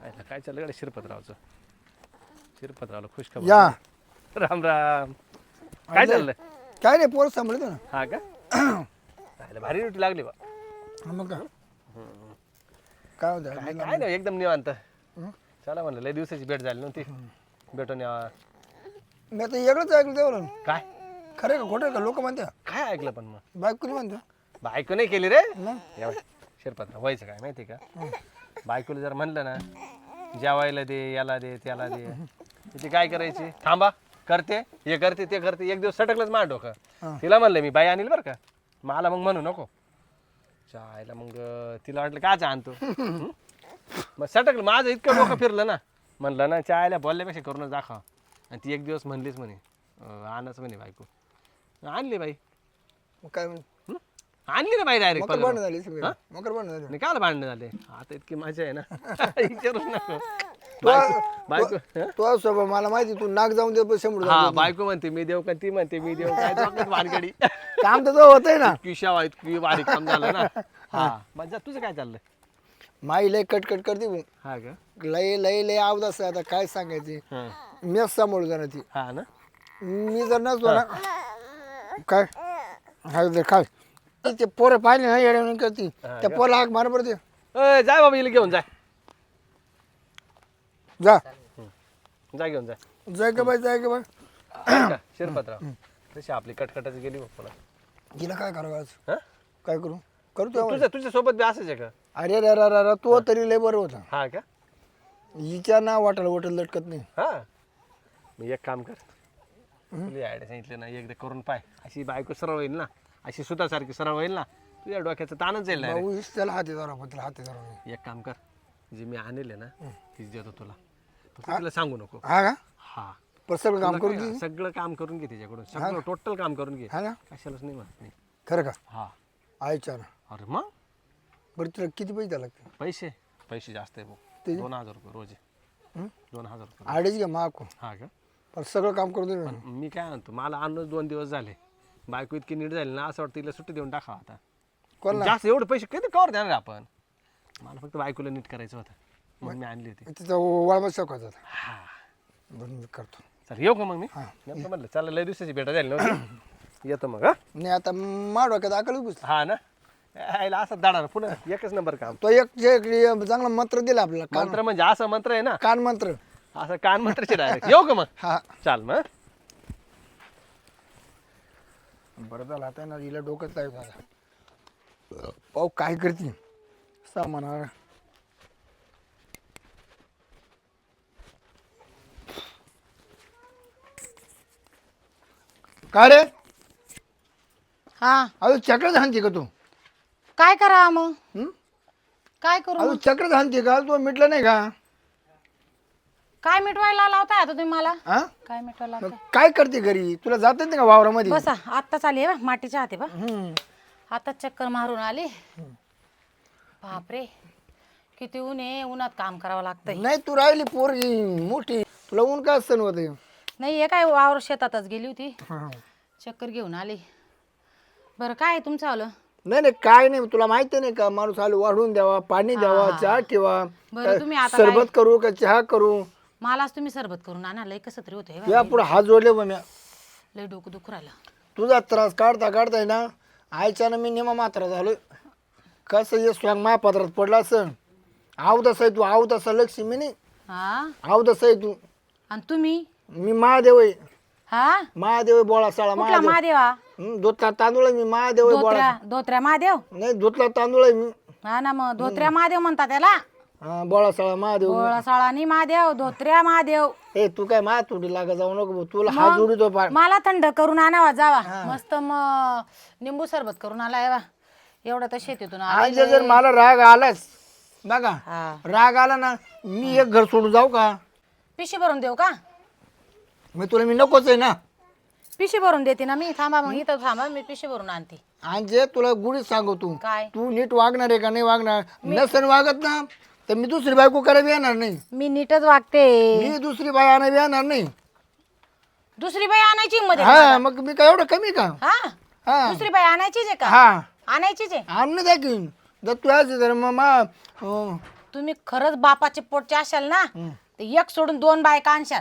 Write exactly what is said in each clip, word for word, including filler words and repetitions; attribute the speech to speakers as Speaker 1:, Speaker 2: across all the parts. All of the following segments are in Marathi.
Speaker 1: आयला काय चाललं गाडी शिरपतरावचं शिरपतरावला खुश खबर
Speaker 2: या
Speaker 1: राम राम काय चाललंय
Speaker 2: काय रे पोर सांभाळतो ना
Speaker 1: हा का आयला भारी ड्युटी लागली बा
Speaker 2: हा, मग काय काय होतं
Speaker 1: काय काय नाही एकदम निवांत चला म्हणलं लय दिवसाची भेट झाली नव्हती भेटून यावा
Speaker 2: मी आता वेगळंच ऐकलं तेवढं
Speaker 1: काय
Speaker 2: खरं का खोटं का लोक म्हणते
Speaker 1: काय ऐकलं पण मग
Speaker 2: बायको नाही म्हणते
Speaker 1: बायको नाही केली रे
Speaker 2: मग
Speaker 1: या बाई, शिरपतराव व्हायचं काय माहिती का बायकोला जर म्हणलं ना जेवायला दे याला दे त्याला दे ती काय करायची थांबा करते हे करते ते करते एक दिवस सटकलंच मार डोकं तिला म्हणलं मी बाई आणील बरं का मला मग म्हणू नको चायला मग तिला वाटलं काच आणतो हं? मग सटकलं माझं इतकं डोकं फिरलं ना म्हणलं ना चायला बोलल्यापेक्षा करूनच दाखवा आणि ती एक दिवस म्हणलीच म्हणे अं, आणच म्हणे बायको आणली बाई
Speaker 2: मग काय म्हणे
Speaker 1: हं? आणली ना बाई डायरेक्ट
Speaker 2: मकर भांडण झाली सगळी मकर भांडण झाली
Speaker 1: नाही काल भांडणं झाले आता इतकी मजा आहे ना विचारूच नको बायको बायको हं?
Speaker 2: तो स्वभाव मला माहिती तू नाक जाऊन दे शंभर
Speaker 1: हा बायको म्हणते मी देऊ का ती म्हणते मी देऊ काय डोक्यात भानगडी
Speaker 2: काम तर होतंय ना
Speaker 1: इतकी शावा इतकी बारीक काम झालं ना हा मजा तुझं काय चाललंय
Speaker 2: माई लय कटकट करते भाऊ.
Speaker 1: हा का
Speaker 2: लय लय लय आवदास आता काय सांगायचे
Speaker 1: हा
Speaker 2: मीच सांभाळू जाणार ती
Speaker 1: हा ना
Speaker 2: मी जर नसतो ना काय हा दे काय ते पोरं पाहिले ना येड्या करते त्या पोरला हाक मार पडते
Speaker 1: अय, जाय बाबा हिला घेऊन जाय
Speaker 2: जा
Speaker 1: जा घेऊन जाय
Speaker 2: जाय का बाई जाय का बाई
Speaker 1: का, शिरपतराव तशी आपली कटकटच गेली बाप्पाला
Speaker 2: तिला काय करावं आज
Speaker 1: हा
Speaker 2: काय करू करू तू
Speaker 1: तुझ्या तुझ्या सोबत बी असंच आहे का
Speaker 2: अरे रे रे रे तो तरी लय बरं होता
Speaker 1: हा का
Speaker 2: हिच्या ना वाटायला वाटेल लटकत नाही
Speaker 1: हा मी एक काम कर तुला आयडिया सांगितलं ना एकदा करून पाय अशी बायको सरळ होईल ना अशी सुतासारखी सरळ होईल ना तुझ्या डोक्याचं ताणच जाईल ना रे.
Speaker 2: भाऊ त्याला हाती धरा पण त्याला हाती धरा
Speaker 1: एक काम कर जे मी आणले ना तीच देतो तुला फक्त तिला सांगू नको
Speaker 2: हा का
Speaker 1: हा
Speaker 2: पण सगळं काम करू
Speaker 1: तुला काय, सगळं काम करून घे तिच्याकडून सगळं टोटल काम करून घे
Speaker 2: हा ना
Speaker 1: कशालाच नाही म्हणत नाही
Speaker 2: खरं का
Speaker 1: हा
Speaker 2: आयच्या ना
Speaker 1: अरे मग
Speaker 2: बरं तुला किती पैसे द्यावं लागते
Speaker 1: पैसे पैसे जास्त आहे भाऊ दोन हजार रुपये रोज आहे.
Speaker 2: हं?
Speaker 1: दोन हजार रुपये
Speaker 2: अडीच घ्या माको
Speaker 1: हा का
Speaker 2: पण सगळं काम करू दे
Speaker 1: पण मी काय म्हणतो मला आणूनच दोन दिवस झाले बायको इतकी नीट झाली ना असं वाटतं तिला सुट्टी देऊन टाकावं आता
Speaker 2: कोण
Speaker 1: जास्त एवढे पैसे कधी कवर देणार आपण मला फक्त बायकोला नीट करायचं होतं मग मी आणली होती
Speaker 2: तिथं वळमत शिकवायचं होता
Speaker 1: हा
Speaker 2: बरं मी करतो
Speaker 1: चल येऊ का मग मी नेमकं म्हणलं चला लय दिवसाची भेटा झाली नव्हती येतो मग हा
Speaker 2: नाही आता मा डोक्यात अकल पुसला
Speaker 1: हा ना यायला असं दाडा पुन्हा एकच नंबर काम
Speaker 2: तो एक जे एक चांगला मंत्र दिला आपल्याला कान
Speaker 1: मंत्र म्हणजे असं मंत्र आहे ना
Speaker 2: कान मंत्र
Speaker 1: असं कान मंत्रचे डायरेक्ट येऊ का मग
Speaker 2: हा
Speaker 1: चाल मग
Speaker 2: बरं झालं आता ना हिला डोक्यात लावत आता पाहू काय करते सामान हा. काय रे
Speaker 3: हा
Speaker 2: अजून चक्रच हाणते का तू
Speaker 3: काय करा मग
Speaker 2: हं?
Speaker 3: काय करू
Speaker 2: अजून चक्रच हाणते का तू मिटलं नाही का
Speaker 3: काय मिटवायला लावताय आता तुम्ही मला
Speaker 2: हा
Speaker 3: काय मिटवायला
Speaker 2: मग
Speaker 3: लावताय
Speaker 2: काय करते घरी तुला जात नाही का वावरामध्ये
Speaker 3: बसा आत्ताच आली बा मातीच्या हाते बा
Speaker 2: हं.
Speaker 3: आताच चक्कर मारून आली बापरे किती ऊन आहे उन्हात काम करावं लागतंय
Speaker 2: नाही तू राहिली पोरगी मोठी तुला ऊन काय सण होते
Speaker 3: नाही हे काय वावर शेतातच गेली होती चक्कर घेऊन आली बरं काय आहे तुमचं आलं
Speaker 2: नाही नाही काय नाही तुला माहिती नाही का माणूस आलो वाढून द्यावा पाणी द्यावा चहा ठेवा
Speaker 3: बरं तुम्ही आता
Speaker 2: सरबत करू का चहा करू
Speaker 3: मलाच तुम्ही सरबत करून आणा लय कसं तरी होतंय बा.
Speaker 2: या पुढे हात जोडले बा म्या
Speaker 3: लय डोकं दुखू राहिलं
Speaker 2: तुझा त्रास काढता काढताय ना आयच्या ना मी निमा मात्रा झालोय कसं ये स्वयं महापात्रात पडला असं आव तसं आहे तू आव तसा लक्ष्मी नाही
Speaker 3: हा
Speaker 2: आव तसं आहे तू
Speaker 3: आणि तुम्ही
Speaker 2: मी महादेव आहे
Speaker 3: हा
Speaker 2: महादेव आहे बोळा साळा
Speaker 3: कुठला
Speaker 2: महादेव
Speaker 3: महादेवा
Speaker 2: हं, धोतला तांदूळ आहे मी महादेव आहे बोळा
Speaker 3: धोत्र्या धोत्र्या महादेव
Speaker 2: नाही धोतला तांदूळ आहे मी
Speaker 3: हा ना मग धोत्र्या महादेव म्हणतात त्याला
Speaker 2: हा बोळा साळा महादेव
Speaker 3: गोळा साळानी महादेव धोत्र्या महादेव
Speaker 2: ए तू काय मा तुडी लागा जाऊ नको भाऊ. तुला हात जोडीतो पार
Speaker 3: मला थंड करून आणावा जावा मस्त मग निंबू सरबत करून आलाय बा एवढं तर शेतीतून आलाय.
Speaker 2: आज जर मला राग आलाच बघा
Speaker 3: हा
Speaker 2: राग आला ना मी एक घर सोडून जाऊ का
Speaker 3: पिशी भरून देऊ का
Speaker 2: मी तुला मी नकोच आहे ना
Speaker 3: पिशी भरून देते ना मी थांबा मग इथं थांबा मी पिशी भरून आणते
Speaker 2: आणि जे तुला गुढीत सांगतो
Speaker 3: काय
Speaker 2: तू नीट वागणार आहे का नाही वागणार नसेल वागत ना तर मी दुसरी बायको करायला येणार नाही
Speaker 3: मी नीटच वागते
Speaker 2: मी दुसरी बाई आणायला येणार नाही
Speaker 3: दुसरी बाई आणायची मध्ये
Speaker 2: हा मग मी काय एवढं कमी का
Speaker 3: हा
Speaker 2: हा
Speaker 3: दुसरी बाई आणायचीच आहे का
Speaker 2: हा
Speaker 3: आणायचीच आहे
Speaker 2: आण ना दाखवीन जर तू आज तर मग मा- अं,
Speaker 3: तुम्ही खरंच बापाचे पोटचे असाल ना तर एक सोडून दोन बायका आणशाल.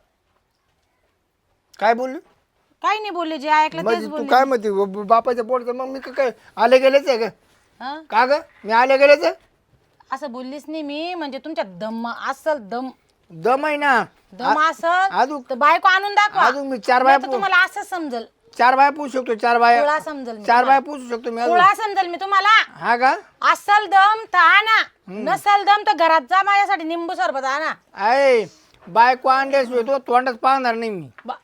Speaker 2: काय बोलली
Speaker 3: काही नाही बोलले, जे ऐकलं तेच
Speaker 2: म्हणजे तू
Speaker 3: बोलले.
Speaker 2: काय म्हणते ब- बापाच्या पोटचं मग मी का- काय आले गेलेच आहे का
Speaker 3: हं?
Speaker 2: का ग मी आले गेलेच आहे?
Speaker 3: असं बोललीच नाही मी, म्हणजे तुमच्या दम असल दम
Speaker 2: दम आहे ना
Speaker 3: दम असल
Speaker 2: अजून
Speaker 3: तर बायको आणून दाखवा.
Speaker 2: अजून मी चार बाया
Speaker 3: नाही तर तुम्हाला असं समजल,
Speaker 2: चार बाया पूछू शकतो चार बाया
Speaker 3: कुळा समजल मी
Speaker 2: चार बाया
Speaker 3: तुम्हाला.
Speaker 2: पूछू शकतो मी अजून.
Speaker 3: कुळा समजल मी तुम्हाला.
Speaker 2: हा का
Speaker 3: असल दम तर आणा, नसल दम तर घरात जा माझ्यासाठी निंबू सरबत आणा.
Speaker 2: आहे बायको आणल्याशिवाय तो तोंडच पाहणार नाही मी.
Speaker 3: बा-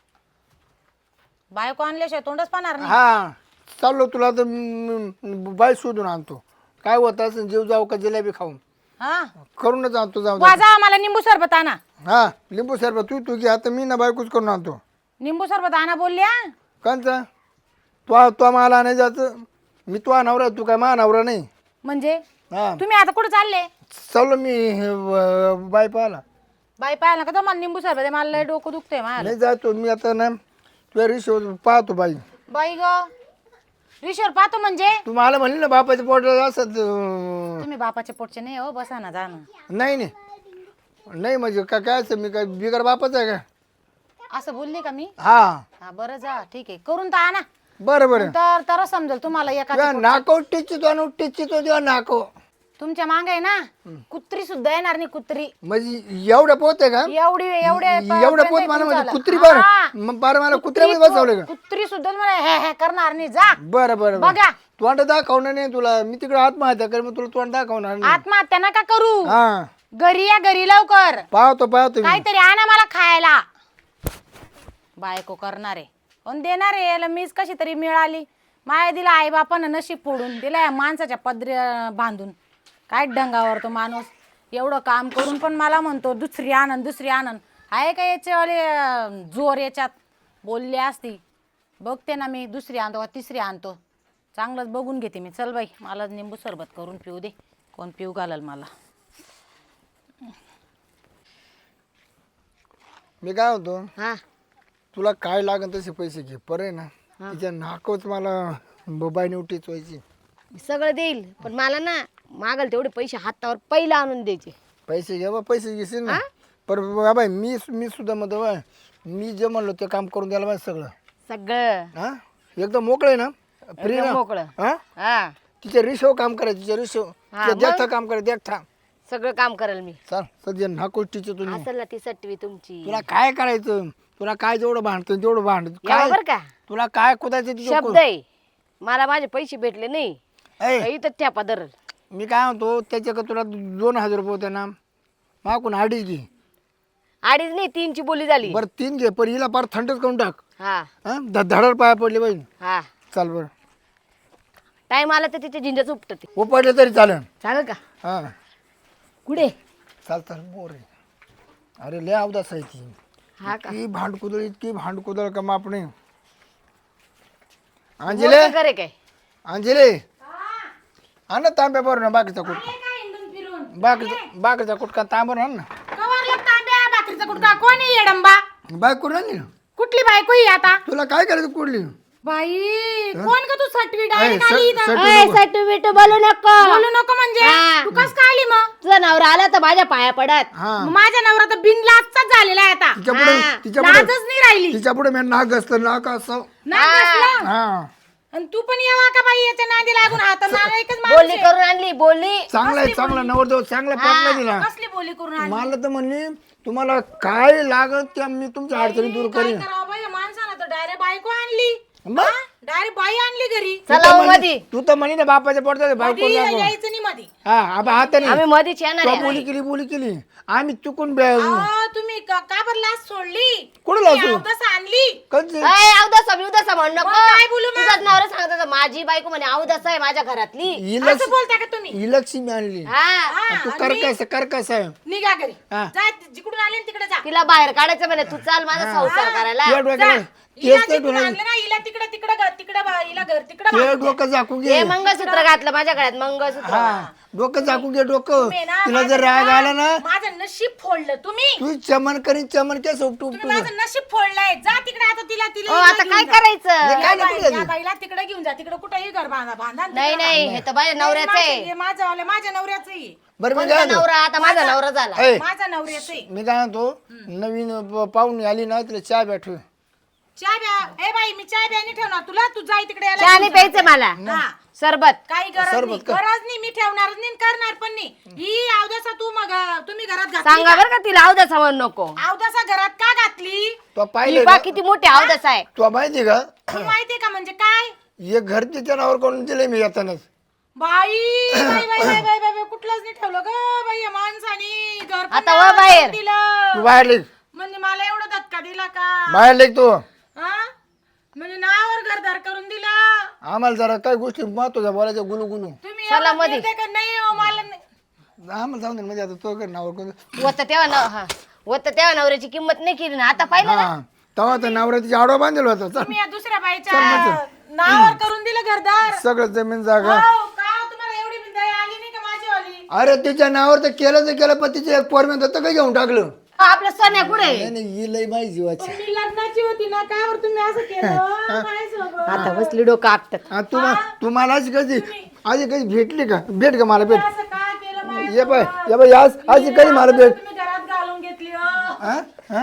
Speaker 3: बायको आणल्याशिवाय तोंडच पाहणार नाही.
Speaker 2: हा चाललो तुला तर म- बाई शोधून आणतो. काय होत असं जीव जाऊ का जिलेबी खाऊन
Speaker 3: हा
Speaker 2: करूनच आणतो जाऊ दे.
Speaker 3: वाजा मला निंबू सरबत आणा.
Speaker 2: हा लिंबू सरबत तू तू घे आता मी ना बायकोच करून आणतो.
Speaker 3: निंबू सरबत आणा बोलल्या.
Speaker 2: कांचा तो तो मला नाही जायचं मी तो नवरा तू काय मा नवरा नाही.
Speaker 3: म्हणजे
Speaker 2: हा
Speaker 3: तुम्ही आता कुठे चालले?
Speaker 2: चाललो मी हे, व- बाई पाहायला
Speaker 3: बाई पाहायला का? तर मला निंबू सरबत आहे, मला लय डोकं दुखतंय मला.
Speaker 2: नाही जातो मी आता ना तुझ्या रिशो पाहतो बाई.
Speaker 3: बाई ग रिशोर पाहतो म्हणजे
Speaker 2: तू मला म्हणली ना बापाच्या पोटात असत अं,
Speaker 3: तुम्ही बापाच्या पोटचे नाही हो, बसा ना जाणं.
Speaker 2: नाही नाही नाही म्हणजे काय काय असं मी काय बिगर बापाच आहे का?
Speaker 3: असं बोलली का मी?
Speaker 2: हा
Speaker 3: हा बरं जा ठीक आहे, करून तर आणा.
Speaker 2: बरं बरं
Speaker 3: तर तर समजेल तुम्हाला एका
Speaker 2: तुझ्या नाको टिचितो आणि टिचितो तुझ्या नाको
Speaker 3: तुमच्या मागे आहे ना कुत्री सुद्धा येणार नाही. कुत्री
Speaker 2: म्हणजे एवढं पोत आहे का?
Speaker 3: एवढी एवढे
Speaker 2: एवढं पोत मला म्हणजे कुत्री बरं मग बरं मला कुत्र्यामध्ये बसवलं का?
Speaker 3: कुत्री सुद्धा मला हे हे करणार नाही. जा
Speaker 2: बरं बरं बरं
Speaker 3: बघा.
Speaker 2: तोंड दाखवणार नाही तुला मी तिकडे आत्महत्या कर मग तुला तोंड दाखवणार नाही.
Speaker 3: आत्महत्या नका करू,
Speaker 2: हा
Speaker 3: घरी या घरी लवकर.
Speaker 2: पाहतो पाहतो मी.
Speaker 3: काहीतरी आणा मला खायला. बायको करणार आहे पण देणार आहे याला मीच कशी तरी मिळाली. माया दिला आई बापानं नशीब फोडून दिला या माणसाच्या पदरी बांधून. काय डंगावर तो माणूस एवढं काम करून पण मला म्हणतो दुसरी आनंद दुसरी आनंद. आहे का याच्यावाले अं, जोर याच्यात? बोलली असती बघते ना मी दुसरी आणतो का तिसरी आणतो. चांगलंच बघून घेते मी. चल बाई मला निंबू सरबत करून पिऊ दे, कोण पिऊ घालल मला.
Speaker 2: मी काय होतो
Speaker 4: हा
Speaker 2: तुला काय लागन तसे पैसे घे परे ना तिच्या नाकोच मला बाईने उठीच व्हायची.
Speaker 4: मी सगळं देईल पण मला ना मागल तेवढे पैसे हातावर पहिला आणून द्यायचे.
Speaker 2: पैसे घ्या बा पैसे घेशील ना पर बाबा मी मी सुद्धा म्हणतो बा मी जे म्हणलो ते काम करून द्यायला पाहिजे सगळं.
Speaker 4: सगळं
Speaker 2: हा एकदम मोकळे ना फ्री
Speaker 4: एकदम
Speaker 2: ना
Speaker 4: मोकळं.
Speaker 2: हा
Speaker 4: हा
Speaker 2: तिच्या रिशो काम करायचं तिच्या रिशो
Speaker 4: हा,
Speaker 2: देखता काम करायचं देखता.
Speaker 4: सगळं काम करेल मी.
Speaker 2: चाल सध्या नाकोच टीचर तुम्ही
Speaker 4: असेल ना ती सटवी तुमची.
Speaker 2: तुला काय करायचं तुला काय जेवढं भांडतं तेवढं भांड
Speaker 4: या
Speaker 2: काय
Speaker 4: बर का
Speaker 2: तुला काय कुदायचं तिच्या
Speaker 4: शब्द आहे. मला माझे पैसे भेटले नाही
Speaker 2: ऐ,
Speaker 4: इथं ठ्यापा धरल.
Speaker 2: मी काय म्हणतो त्याच्याकडे तुला दोन हजार रुपये होते ना मागून अडीच घे.
Speaker 4: अडीच नाही तीनची बोली झाली.
Speaker 2: बरं तीन घे पण हिला पार थंडच करून टाक.
Speaker 4: हा
Speaker 2: हा धडाड पाया पडले पाहिजे.
Speaker 4: हा
Speaker 2: चाल बरं
Speaker 4: टाइम आला तर तिचे झिंजच उपटते.
Speaker 2: हो पडले तरी चालेल.
Speaker 4: चालेल का?
Speaker 2: हा
Speaker 4: कुठे?
Speaker 2: चाल चाल बोर आहे. अरे लय अवदास आहे ती.
Speaker 4: हा का?
Speaker 2: इतकी भांडकुदळ इतकी भांडकुदळ का माप नाही. अंजले
Speaker 4: मोठं करे काय?
Speaker 2: अंजले आण ना तांब्या बरोबर ना बाकीचा कुठ बाकीचा बाकीचा कुटका तांबर आण ना
Speaker 3: भाकरीचा कुठका कोण आहे येडंबा?
Speaker 2: बाय करून आणली ना.
Speaker 3: कुठली बायको ही आता?
Speaker 2: तुला काय करायचं कुठली
Speaker 3: बाई कोण का तू सटवी
Speaker 2: ऐ,
Speaker 3: डायरेक्ट
Speaker 2: सट-
Speaker 3: आली इथं?
Speaker 2: सट-
Speaker 4: अय, सटू बिटू बोलू नको.
Speaker 3: बोलू नको म्हणजे
Speaker 4: हा.
Speaker 3: तू कस काय आली मग?
Speaker 4: तुझा नवरा आला तर माझ्या पाया पडत.
Speaker 2: हा
Speaker 3: मग माझ्या नवरा तर बिनलाजचाच झालेला आहे आता.
Speaker 2: तिच्या पुढे
Speaker 4: हा.
Speaker 2: तिच्या पुढे
Speaker 3: लाजच नाही राहिली.
Speaker 2: तिच्या पुढे मी नाक असतं नाक असं.
Speaker 3: नाही बसला.
Speaker 2: हा
Speaker 3: आणि तू पण यावा का बाई याच्या नादी लागून हात नाला एकच
Speaker 4: बोलली
Speaker 3: माणूस आहे.
Speaker 4: करून आणली बोलली.
Speaker 2: चांगला आहे चांगला नवरदेव चांगला पाटला दिला.
Speaker 3: कसली बोली करून आणली?
Speaker 2: मला तर म्हणली तुम्हाला काय लागत त्या मी तुमच्या अडचणी दूर
Speaker 3: काय
Speaker 2: करीन.
Speaker 3: करावं बाई या माणसानं तर डायरेक्ट बायको आणली.
Speaker 2: मग?
Speaker 3: डायरेक्ट बाई आणली घरी.
Speaker 2: तू तर
Speaker 4: चला हो
Speaker 2: म्हणे-
Speaker 4: मधी.
Speaker 2: तू तर म्हणे ना बापाच्या पडतात बायको
Speaker 3: कधी
Speaker 2: लागो.
Speaker 3: यायचं नाही मधी.
Speaker 2: हा आबा हाताने
Speaker 4: आम्ही मधीच येणार
Speaker 2: तो
Speaker 4: आहे.
Speaker 2: बोली केली बोली केली आम्ही चुकून बे-
Speaker 3: अहो, तुम्ही का का बरं लाज सोडली?
Speaker 2: कुठं
Speaker 3: तुम्ही
Speaker 2: लाज सोड-
Speaker 3: अवदस आणली.
Speaker 2: कधी
Speaker 4: अय, अवदासा बिवदासा म्हण नको.
Speaker 3: मग काय बोलू मग?
Speaker 4: तुझाच नवरा सांगत होता, माझी बायको म्हणे अवदासा आहे माझ्या घरातली.
Speaker 3: असं बोलता का तुम्ही?
Speaker 2: इलक्षी आणली
Speaker 4: हा
Speaker 3: हा,
Speaker 2: तू
Speaker 3: आणि
Speaker 2: कर
Speaker 3: मी-
Speaker 2: कसं कर कसं आहे
Speaker 3: निघा घरी.
Speaker 2: हा.
Speaker 3: जा जिकडून आले ना तिकडे जा.
Speaker 4: तिला बाहेर काढायचं म्हणे तू चाल माझा संसार करायला.
Speaker 2: तुझ्या डोक्याला
Speaker 3: हिला
Speaker 2: तेच नाही
Speaker 3: तिकडं
Speaker 2: तुला
Speaker 3: आणलं ना हिला तिकडं तिकडं घ- तिकडं बा- हिला घर तिकडं
Speaker 2: ते
Speaker 3: बांधलं.
Speaker 2: डोकं झाकून
Speaker 4: हे
Speaker 2: घे
Speaker 4: मंगळसूत्र घातलं माझ्या गळ्यात मंगळसूत्र
Speaker 2: हा डोकं झाकून घे डोकं
Speaker 3: तुम्ही ना
Speaker 2: तिला
Speaker 3: माझं
Speaker 2: जर राग
Speaker 3: ना-
Speaker 2: आला ना
Speaker 3: माझं नशीब फोडलं तुम्ही
Speaker 2: तू चमन करीन चमन केस उपटू
Speaker 3: तुम्ही माझं नशीब फोडलंय जा तिकडे आता तिला तिला
Speaker 4: ओ,
Speaker 3: हिला
Speaker 4: आता
Speaker 3: घेऊन
Speaker 4: काय
Speaker 3: जा.
Speaker 4: करायचं
Speaker 2: हे
Speaker 3: या
Speaker 2: काय
Speaker 3: बाई-
Speaker 2: नको
Speaker 3: या बाईला तिकडे घेऊन जा तिकडे कुठेही घर बांधा बांधा आणि
Speaker 4: नाही
Speaker 3: तिकडं
Speaker 4: नाही
Speaker 3: बांधा.
Speaker 4: हे तर माझ्या नवऱ्याचं
Speaker 3: माझं-
Speaker 4: आहे
Speaker 3: हे माझं वालं, माझ्या नवऱ्याचं आहे.
Speaker 2: बरं मी
Speaker 4: कोणता
Speaker 2: काय
Speaker 4: नवरा आता माझा नवरा झाला
Speaker 2: ऐ,
Speaker 3: माझा नवऱ्याचं आहे.
Speaker 2: मी काय म्हणतो नवीन प- पाहुणी आली ना तिला चहा भेटू
Speaker 3: चाय ब्या ए बाई मी चाय ब्या नाही ठेवणार तुला तू जाई तिकडे याला
Speaker 4: चहा
Speaker 3: घेऊन
Speaker 4: नाही
Speaker 3: जा.
Speaker 4: प्यायचं मला
Speaker 3: हा.
Speaker 4: सरबत
Speaker 3: काही गरज
Speaker 2: सरबत
Speaker 3: नाही
Speaker 2: का?
Speaker 3: गरज नाही मी ठेवणार नाही करणार पण नाही ही अवदसा तू मग तुम्ही घरात घातली
Speaker 4: सांगा
Speaker 3: का?
Speaker 4: बरं का तिला अवदसा म्हणू नको
Speaker 3: अवदसा घरात का घातली
Speaker 2: तो
Speaker 4: ही
Speaker 2: पाहिलं
Speaker 4: बा
Speaker 2: का?
Speaker 4: किती मोठी अवदसा आहे
Speaker 2: तुला माहिती का
Speaker 3: तू माहितीये का म्हणजे काय
Speaker 2: हे घर तिच्या नावावर करून दिले मी येतानाच
Speaker 3: बाई बाई बाई बाई बाई बाई कुठलंच नाही ठेवलं ग बाई या माणसानी घर पण
Speaker 4: आता
Speaker 3: नावावर
Speaker 4: वा बाहेर.
Speaker 3: करून दिलं
Speaker 2: तू बाहेर लेख
Speaker 3: म्हणजे मला एवढा धक्का दिला का
Speaker 2: बाहेर लेख तू
Speaker 3: हा? म्हणजे नावावर घरदार करून दिला
Speaker 2: आम्हाला जरा काही गोष्टी महत्वाच्या बोलायचं गुलू गुलू
Speaker 3: तुम्ही
Speaker 4: चला
Speaker 3: एवढं
Speaker 4: मध्ये.
Speaker 3: बोलताय का नाही हो, मला नाही.
Speaker 2: आम्हाला जाऊन दे म्हणजे आता तो घर नावावर करून
Speaker 4: होत तेव्हा नव हा होत तेव्हा नवऱ्याची किंमत नाही केली ना आता पाहिलं ना
Speaker 2: हा तेव्हा तर नवऱ्याची आडवा बांधलेला होता चल
Speaker 3: तुम्ही या दुसऱ्या बाईच्या नावावर करून दिलं घरदार
Speaker 2: सगळं जमीन जागा
Speaker 3: हो, का तुम्हाला एवढी बी दया आली नाही का माझीवाली
Speaker 2: अरे तिच्या नावावर तर केलं तर केलं पण तिचे एक पोर म्हणत होतं काय घेऊन टाकलं
Speaker 4: आपलं सोन्या कुठे
Speaker 2: नाही नाही ही लई माझी जीवाची
Speaker 3: मी लग्नाची होती ना काय बरं तुम्ही असं केलं काय सोबत?
Speaker 4: आता बसली डोकं आपटत
Speaker 2: हा, तू तुम्हाला अशी कधी आधी कधी भेटली का भेट का मला भेट
Speaker 3: असं काय केलं माझ्या
Speaker 2: ये बाय
Speaker 3: सोबत?
Speaker 2: ये बाय आज आधी कधी मला
Speaker 3: मी
Speaker 2: भेट
Speaker 3: तुम्ही घरात घालून घेतली हो
Speaker 2: हा हा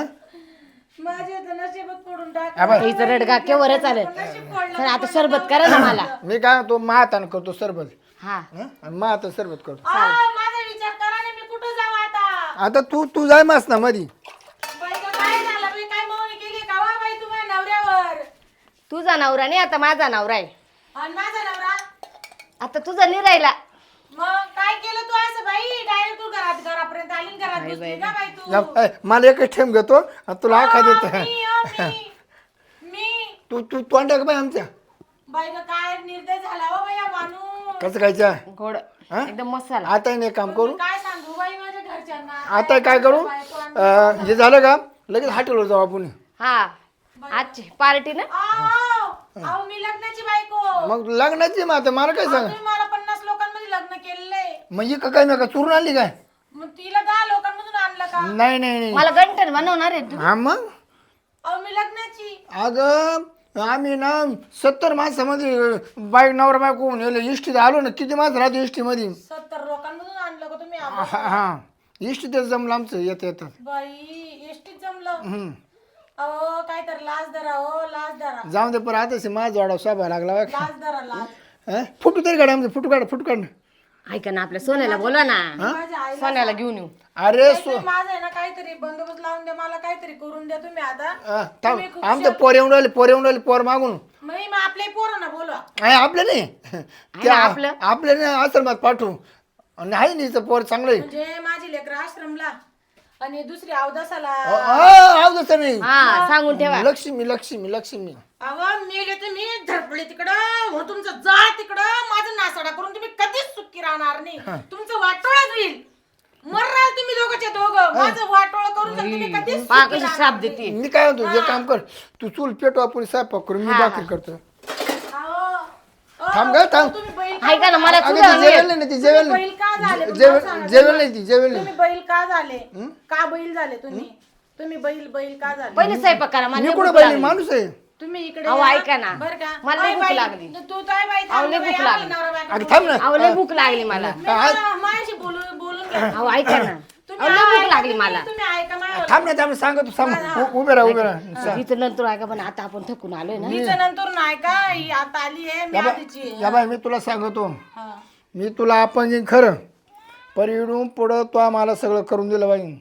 Speaker 3: माझे तर नशीबच फोडून टाक
Speaker 2: हा बाय.
Speaker 4: हिचं रडगा केवढं चालेल
Speaker 3: नशीब फोडलं
Speaker 4: तर आता सरबत करा ना मला
Speaker 2: मी काय म्हणतो महातान करतो सरबत
Speaker 4: हा
Speaker 2: हा? आणि महातान सरबत करतो
Speaker 3: आ, माझा विचार करा ना मी कुठं जाऊ आता
Speaker 2: आता तू तू जाय मास ना मधी
Speaker 3: बाई गं, काय झालं बाई काय मोहनी केली का वा बाई तुम्हाला नवऱ्यावर
Speaker 4: तुझा नवरा नाही आता माझा नवरा आहे
Speaker 3: आणि माझा नवरा
Speaker 4: आता तुझा नाही राहिला
Speaker 3: मग काय केलं तू असं बाई डायरेक्ट तू घरात घरापर्यंत आली आणि घरात घुसली का बाई तू
Speaker 2: या- ऐ, मला एकच ठेम घेतो आणि तुला आखा
Speaker 3: अहो,
Speaker 2: देतो
Speaker 3: मी, अहो, मी मी
Speaker 2: तू तू तोंड बाई आमच्या
Speaker 3: बाई गं, काय निर्दय झाला हो बाई हा माणूस
Speaker 2: कसं खायच्या
Speaker 4: गोड
Speaker 2: हा?
Speaker 4: एकदम मसाला
Speaker 2: आता नाही काम करू
Speaker 3: मी काय सांगू बाई माझ्या घरच्यांना
Speaker 2: आता काय करू अं, हे झालं का लगेच हॉटेलवर जाऊ आपण
Speaker 4: हा आजची पार्टी ना
Speaker 3: अहो, अहो, मी लग्नाची बायको
Speaker 2: मग लग्नाची मग आता मला काय सांग
Speaker 3: तुम्ही मला पन्नास लोकांमध्ये लग्न केलेले
Speaker 2: म्हणजे का काय नका चुरून आणली काय
Speaker 3: मग तिला दहा लोकांमधून आणलं का
Speaker 2: नाही नाही नाही
Speaker 4: मला गंठन बनवणार आहे तू
Speaker 2: हा मग
Speaker 3: अहो मी लग्नाची
Speaker 2: अगं आम्ही ना सत्तर माणसामध्ये बाईक नवरा बायको होऊन येलो इष्टीत आलो ना किती माणसं राहतो इष्टीमध्ये
Speaker 3: सत्तर लोकांमधून आणलं का तुम्ही
Speaker 2: हा
Speaker 3: आम्हाला?
Speaker 2: हा इष्टीत जमलं आमचं येत येतात
Speaker 3: बाई एसटीत जमलं
Speaker 2: हम्म.
Speaker 3: अहो काय तर लाज धरा हो लाज धरा
Speaker 2: जाऊन दे पण आता माझा जोडा स्वभाव लागला बघ.
Speaker 3: लाज धरा लाज
Speaker 2: हं? फुटू तरी काढ आमचं फुटू काढ फुटू काढ
Speaker 4: ऐका ना आपल्या सोन्याला बोला ना
Speaker 3: माझ्या आईला
Speaker 4: सोन्याला घेऊन येऊ
Speaker 2: अरे सो
Speaker 3: तुम्ही माझं आहे ना काहीतरी बंदोबस्त लावून द्या मला काहीतरी करून द्या तुम्ही आता
Speaker 2: अं, थांब आमचं पोर येऊन राहिले पोर येऊन राहिले पोर मागून
Speaker 3: मी मग आपल्या पोरांना बोलवा
Speaker 2: आहे आपलं नाही त्या
Speaker 4: आपलं?
Speaker 2: आपलं नाही आश्रमात पाठवू आणि आहे नाही पोर चांगलं आहे
Speaker 3: म्हणजे माझी लेकर आश्रमला आणि दुसरी अवदासाला
Speaker 2: आव तसं नाही
Speaker 4: हा सांगून ठेवा
Speaker 2: लक्ष्मी लक्ष्मी लक्ष्मी
Speaker 3: अहो मेले तुम्ही धडपडे तिकडं हो तुमचं जा तिकडं माझं नासाडा करून तुम्ही कधीच सुखी राहणार नाही तुमचं वाटोळच होईल मर्राल तुम्ही दोघंच्या दोघं माझं वाटोळ करून जर तुम्ही कधीच
Speaker 4: पहा
Speaker 3: सुखी
Speaker 4: कशी
Speaker 3: राहणार
Speaker 4: श्राप देते
Speaker 2: मी काय म्हणतो जे काम कर तू चूल पेटू आपण स्वयंपाक करू मी भाकरी करतो
Speaker 3: अहो, अहो,
Speaker 2: थांब ग थांब
Speaker 3: तुम्ही बैल
Speaker 4: ऐका ना मला
Speaker 2: अगं
Speaker 4: तुझं
Speaker 2: ती जेवेल नाही ती जेवेल
Speaker 3: बैल का झाले
Speaker 2: नाही
Speaker 3: पण
Speaker 2: जेवेल
Speaker 3: मला सांगा.
Speaker 2: जेवेल नाही ती जेवेल नाही
Speaker 3: तुम्ही बैल का झाले का बैल झाले तुम्ही तुम्ही बैल बैल का झाले
Speaker 4: पहिले स्वयंपाक करा मला
Speaker 2: मी
Speaker 4: लई
Speaker 2: कुठं
Speaker 4: भूक
Speaker 2: पाहिजे
Speaker 4: लागली.
Speaker 2: माणूस आहे
Speaker 3: तुम्ही इकडे
Speaker 4: अहो,
Speaker 3: या.
Speaker 4: ऐका ना.
Speaker 3: बरं का
Speaker 4: मला लई
Speaker 3: बाई,
Speaker 4: भूक
Speaker 3: बाई,
Speaker 4: लागली.
Speaker 3: तू काय बाई
Speaker 4: अहो, लई
Speaker 3: थांब
Speaker 4: भूक
Speaker 3: बाई,
Speaker 4: लागली.
Speaker 3: आपला नवरा बायको
Speaker 2: अगं थांब ना
Speaker 4: अहो लई भूक लागली मला
Speaker 3: मी मला- माझ्याशी बोलून बोलून घ्या.
Speaker 4: अहो ऐका ना
Speaker 3: तुम्ही
Speaker 4: अहो, लई भूक
Speaker 3: ऐका,
Speaker 4: लागली
Speaker 3: तुम्ही-
Speaker 4: मला
Speaker 3: तुम्ही ऐका माझ्या
Speaker 2: थांब ना थांब सांग तू सांग उ- उभे राहा उभे राहा
Speaker 4: इथं नंतर ऐका पण आता आपण थकून आलोय ना
Speaker 3: तिचं नंतर नाही का ही आता आली आहे मी आधीची आहे.
Speaker 2: या बाय मी तुला सांगतो
Speaker 3: हा.
Speaker 2: मी तुला आपण जे खरं पर इडून पुढं तो आम्हाला सगळं करून दिलं बाई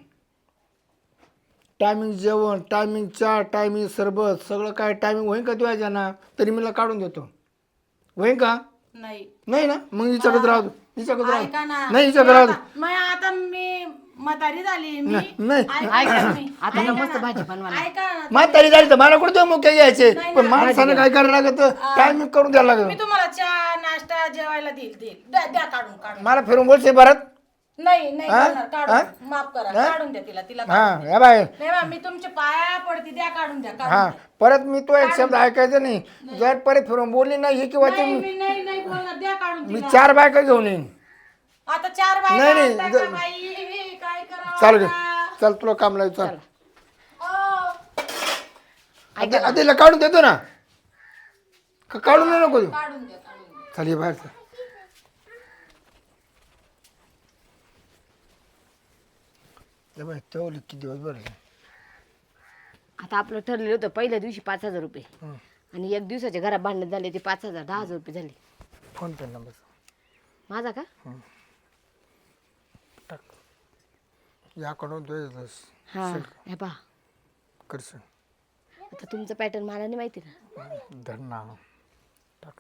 Speaker 2: टायमिंग जेवण टायमिंग चहा टायमिंग सरबत सगळं काय टायमिंग होईन का तुझ्या ना तरी मला काढून देतो होईन का
Speaker 3: नाही
Speaker 2: नाही ना मग हिच्याकडे राहतो हिच्याकडे
Speaker 3: ऐका
Speaker 2: राहतो
Speaker 3: ना
Speaker 2: नाही हिच्याकडे राहतो
Speaker 3: आता- मग आता मी म्हातारी झाली मी
Speaker 2: नाही
Speaker 3: ऐका तुम्ही.
Speaker 4: आता ना
Speaker 3: ऐका
Speaker 4: मस्त
Speaker 3: ना.
Speaker 4: भाजी बनवा
Speaker 3: ऐका ना
Speaker 2: म्हातारी झाली तर मला कुठे मुख्य घ्यायचे पण माणसानं काय करायला लागत टायमिंग करून द्यायला
Speaker 3: मी
Speaker 2: लागत
Speaker 3: तुम्हाला चहा नाश्ता जेवायला देईल देईल द्या द्या काढून काढून
Speaker 2: मला फिरून बोलते भारत
Speaker 3: नाही नाही
Speaker 2: हा?
Speaker 3: देणार, काढून माफ करा, काढून द्या तिला तिला
Speaker 2: हा या बाय
Speaker 3: नाही बा, मी तुमच्या पाया पडते, द्या काढून द्या, काढून
Speaker 2: हा
Speaker 3: द्या.
Speaker 2: परत मी तो एक शब्द ऐकायचा नाही जर परत फिरून बोलली नाही हे किंवा ते
Speaker 3: नाही मी नाही नाही बोलणार, द्या काढून
Speaker 2: मी
Speaker 3: तिला.
Speaker 2: चार बायका घेऊन येईन
Speaker 3: आता चार बाय
Speaker 2: नाही, नाही,
Speaker 3: काय करावं
Speaker 2: चाल गे
Speaker 3: आता?
Speaker 2: चल तुला काम लावू चल
Speaker 3: अहो,
Speaker 2: आता आता हिला काढून देतो ना का काढून नाही नको तू
Speaker 3: काढून द्या, काढून द्या.
Speaker 2: चल ये बाहेर चल. ये बाय तेवढे किती दिवस बरं
Speaker 4: आता आपलं ठरलेलं होतं पहिल्या दिवशी पाच हजार रुपये आणि एक दिवसाच्या घरात भांडण झाले ते पाच हजार दहा हजार रुपये झाले.
Speaker 2: फोन पे नंबर
Speaker 4: माझा का
Speaker 2: टाक या कडून तुझ्या
Speaker 4: हा हे पहा
Speaker 2: करशील
Speaker 4: आता तुमचं पॅटर्न मला नाही माहिती ना.
Speaker 2: धर ना टाक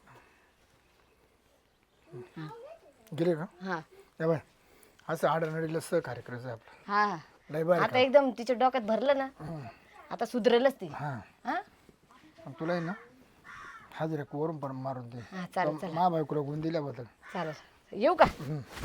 Speaker 2: ना गेले का
Speaker 4: हा
Speaker 2: या बाय असं आडनडीला सहकार्य करायचं आपलं
Speaker 4: हा हा.
Speaker 2: लय बरं
Speaker 4: आता एकदम तिच्या डोक्यात भरलं ना आता सुधरेलच ती.
Speaker 2: हां
Speaker 4: हा
Speaker 2: तुला आहे ना हाजर वरून पण मारून दे
Speaker 4: हा चालेल चालेल
Speaker 2: मा बायकोला गुण दिल्याबद्दल
Speaker 4: चालेल येऊ का.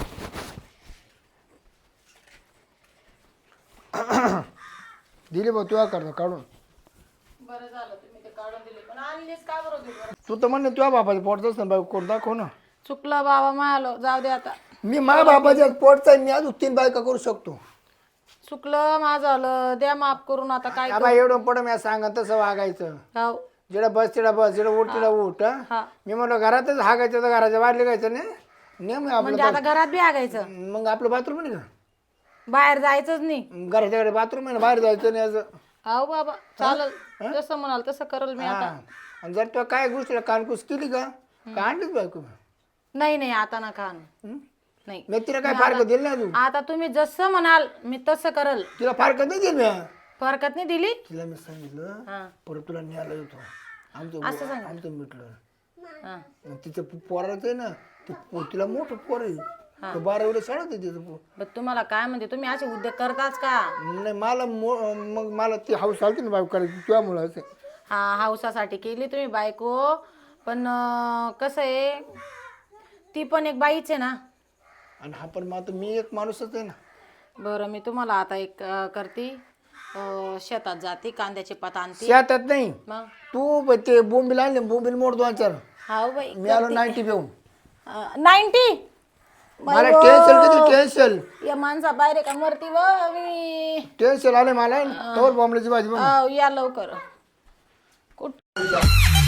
Speaker 2: दिली बा तुला करतो काढून
Speaker 3: बरं झालं तुम्ही ते काढून दिले, पण आणलीच का बरं दिली?
Speaker 2: तू तर म्हणणे तुझ्या बापाचं पोटच ना बायको कोण दाखव ना
Speaker 3: चुकलं बाबा, मालो जाऊ दे आता.
Speaker 2: मी मा बापाच्या पोटचा आहे, मी अजून तीन बायका करू शकतो
Speaker 3: चुकलं माझं झालं, द्या माफ करून. आता काय
Speaker 2: बाबा एवढं पड मी सांगा तसं वागायचं
Speaker 3: गाव
Speaker 2: जिडा बस तिडा बस जिडा उठ तिडा उठ हं?
Speaker 3: हा.
Speaker 2: मी म्हणलं घरातच हागायचं तर घराच्या बाहेर लिहायचं नाही नेम आहे
Speaker 3: म्हणजे
Speaker 2: आपलं
Speaker 3: आता घरात बी आगायचं,
Speaker 2: मग आपलं बाथरूम नाही का
Speaker 3: बाहेर जायचंच नाही.
Speaker 2: घराच्या घरी बाथरूम आहे ना बाहेर जायचं नाही असं
Speaker 3: अहो बाबा चालेल, जसं म्हणाल तसं करल मी आता.
Speaker 2: हा. आणि जर तुला काय गोष्टीला कानकूस केली का का आणलीच बायको
Speaker 3: नाही नाही आता नका आणू.
Speaker 2: हं?
Speaker 3: नाही
Speaker 2: मी तिला काय फारकत दिली नाही तू
Speaker 3: आता तुम्ही जसं म्हणाल मी तसं करल.
Speaker 2: तिला फारकत नाही दिली मी
Speaker 3: फरकत नाही दिली.
Speaker 2: तिला मी सांगितलं
Speaker 3: हा
Speaker 2: परत तुला न्यायला येतो आमचं
Speaker 3: असं सांग.
Speaker 2: आमचं मिटलं
Speaker 3: हा.
Speaker 2: मग तिचं पो- पोराचं आहे ना ते पो- तिला मोठं पोर आहे तो बारा वेळेस शाळेत आहे तिचं पोर
Speaker 3: बरं तुम्हाला काय म्हणते, तुम्ही असे उद्योग करताच का?
Speaker 2: नाही मला मो- मग मला ती हाऊस आलती ना बायको करायची तुझ्यामुळं असं
Speaker 3: हा हाऊसासाठी केली तुम्ही बायको, पण अं, कसं आहे ती पण एक बाईच आहे ना.
Speaker 2: आणि हा पण मग आता मी एक माणूसच आहे ना
Speaker 3: बरं मी तुम्हाला आता एक अं, करते अं, शेतात जाते, कांद्याचे पात आणते.
Speaker 2: शेतात नाही
Speaker 3: मग
Speaker 2: तू ब- ते बोंबील आणले बोंबील मोड दोन चार
Speaker 3: हा बाई
Speaker 2: मी आलो नाईन्टी घेऊन
Speaker 3: नाईन्टी
Speaker 2: मला टेन्शन किती टेन्शन
Speaker 3: या माणसा बाहेर का मरती व मी.
Speaker 2: टेन्शन आले मला तोवर बॉम्बलाची भाजी बनव.
Speaker 3: अहो, या लवकर कुठ